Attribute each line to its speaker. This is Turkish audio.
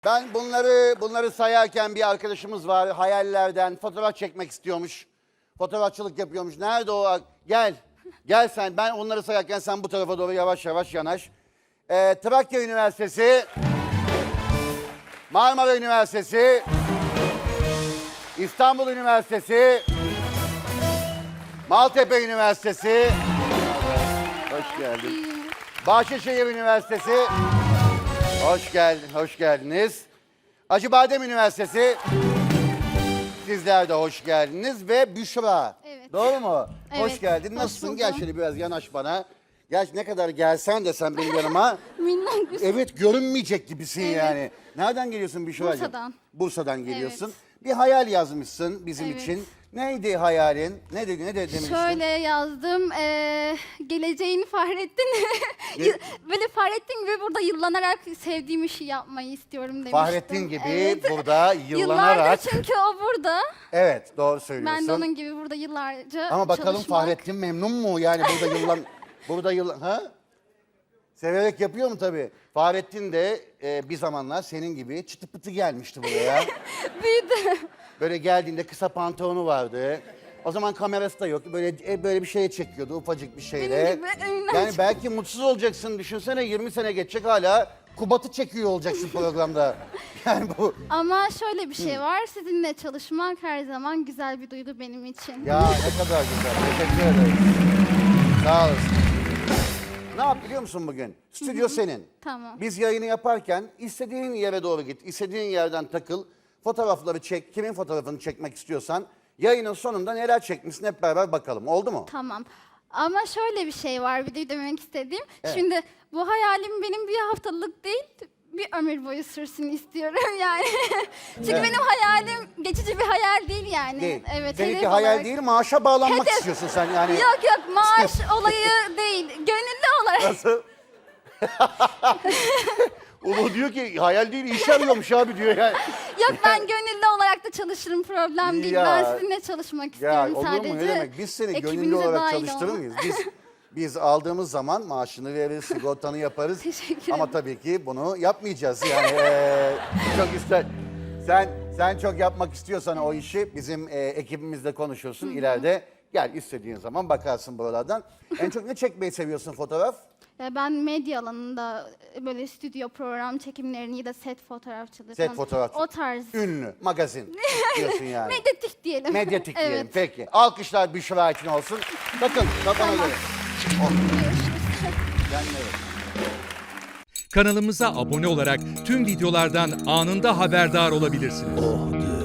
Speaker 1: Ben bunları sayarken bir arkadaşımız var. Hayallerden fotoğraf çekmek istiyormuş. Fotoğrafçılık yapıyormuş. Nerede o? Gel. Gel sen. Ben onları sayarken sen bu tarafa doğru yavaş yavaş yanaş. Trakya Üniversitesi, Marmara Üniversitesi, İstanbul Üniversitesi, Maltepe Üniversitesi. Hoş geldin. Bahçeşehir Üniversitesi. Hoş geldin, hoş geldiniz. Acıbadem Üniversitesi. Sizler de hoş geldiniz ve Büşra.
Speaker 2: Evet.
Speaker 1: Doğru mu?
Speaker 2: Evet,
Speaker 1: Hoş geldin.
Speaker 2: hoş
Speaker 1: Nasılsın?
Speaker 2: buldum.
Speaker 1: Gel şöyle biraz yanaş bana. Gel ne kadar gelsen de sen benim yanıma.
Speaker 2: Minnak bir
Speaker 1: Evet, görünmeyecek gibisin
Speaker 2: Evet.
Speaker 1: yani. Nereden geliyorsun Büşra'cığım?
Speaker 2: Bursa'dan.
Speaker 1: Bursa'dan geliyorsun.
Speaker 2: Evet.
Speaker 1: Bir hayal yazmışsın bizim
Speaker 2: Evet.
Speaker 1: için. Neydi hayalin? Ne demiştin?
Speaker 2: Şöyle yazdım, geleceğini Fahrettin, böyle Fahrettin gibi burada yıllanarak sevdiğim işi yapmayı istiyorum demiştim.
Speaker 1: Fahrettin gibi
Speaker 2: Evet.
Speaker 1: burada yıllanarak.
Speaker 2: Yıllardır çünkü o burada.
Speaker 1: Evet, doğru söylüyorsun.
Speaker 2: Ben de onun gibi burada yıllarca
Speaker 1: Ama bakalım
Speaker 2: çalışmak.
Speaker 1: Fahrettin memnun mu? Yani burada ha? Severek yapıyor mu tabii? Fahrettin de bir zamanlar senin gibi çıtı pıtı gelmişti buraya.
Speaker 2: Büyüdü.
Speaker 1: Böyle geldiğinde kısa pantolonu vardı. O zaman kamerası da yok. Böyle bir şeye çekiyordu ufacık bir şeyle.
Speaker 2: Benim gibi önümden
Speaker 1: Yani belki mutsuz olacaksın. Düşünsene 20 sene geçecek hala Kubat'ı çekiyor olacaksın programda. Yani bu.
Speaker 2: Ama şöyle bir şey var, sizinle çalışmak her zaman güzel bir duygu benim için.
Speaker 1: Ya ne kadar güzel. Teşekkür ederim. Sağ olasın. Ne yap biliyor musun bugün? Stüdyo senin.
Speaker 2: Tamam.
Speaker 1: Biz yayını yaparken istediğin yere doğru git. İstediğin yerden takıl. Fotoğrafları çek. Kimin fotoğrafını çekmek istiyorsan. Yayının sonunda neler çekmişsin hep beraber bakalım. Oldu mu?
Speaker 2: Tamam. Ama şöyle bir şey var bir de demek istediğim. Şimdi bu hayalim benim bir haftalık değil, bir ömür boyu sürsün istiyorum yani. Çünkü benim hayalim geçici bir hayal değil yani.
Speaker 1: Değil.
Speaker 2: Evet.
Speaker 1: Seninki
Speaker 2: hedef
Speaker 1: hayal
Speaker 2: olarak.
Speaker 1: değil, maaşa bağlanmak
Speaker 2: Hedef.
Speaker 1: istiyorsun sen yani.
Speaker 2: Yok maaş olayı değil, gönüllü olarak.
Speaker 1: Nasıl? Ulu diyor ki hayal değil iş arıyormuş abi diyor yani.
Speaker 2: Yok ben gönüllü olarak da çalışırım, problem değil.
Speaker 1: Ya.
Speaker 2: Ben sizinle çalışmak
Speaker 1: Ya
Speaker 2: istiyorum
Speaker 1: olur
Speaker 2: sadece.
Speaker 1: mu ne demek? Biz seni gönüllü
Speaker 2: ekibinize
Speaker 1: olarak
Speaker 2: dahil
Speaker 1: çalıştırır
Speaker 2: olmak.
Speaker 1: mıyız? Biz aldığımız zaman maaşını veririz, sigortanı yaparız.
Speaker 2: Teşekkür
Speaker 1: Ama
Speaker 2: ederim.
Speaker 1: tabii ki bunu yapmayacağız yani. Çok ister. Sen çok yapmak istiyorsan o işi bizim ekibimizle konuşursun ileride. Gel istediğin zaman bakarsın buralardan. En çok ne çekmeyi seviyorsun fotoğraf?
Speaker 2: Ben medya alanında böyle stüdyo program çekimlerini ya da set fotoğrafçılığı
Speaker 1: Set
Speaker 2: falan,
Speaker 1: fotoğrafçı.
Speaker 2: o tarz.
Speaker 1: Ünlü, magazin diyorsun yani.
Speaker 2: Medyatik diyelim.
Speaker 1: Medyatik
Speaker 2: Evet.
Speaker 1: diyelim. Peki. Alkışlar Büşra için olsun. Bakın kafana göre. Kendine göre.
Speaker 3: Kanalımıza abone olarak tüm videolardan anında haberdar olabilirsiniz.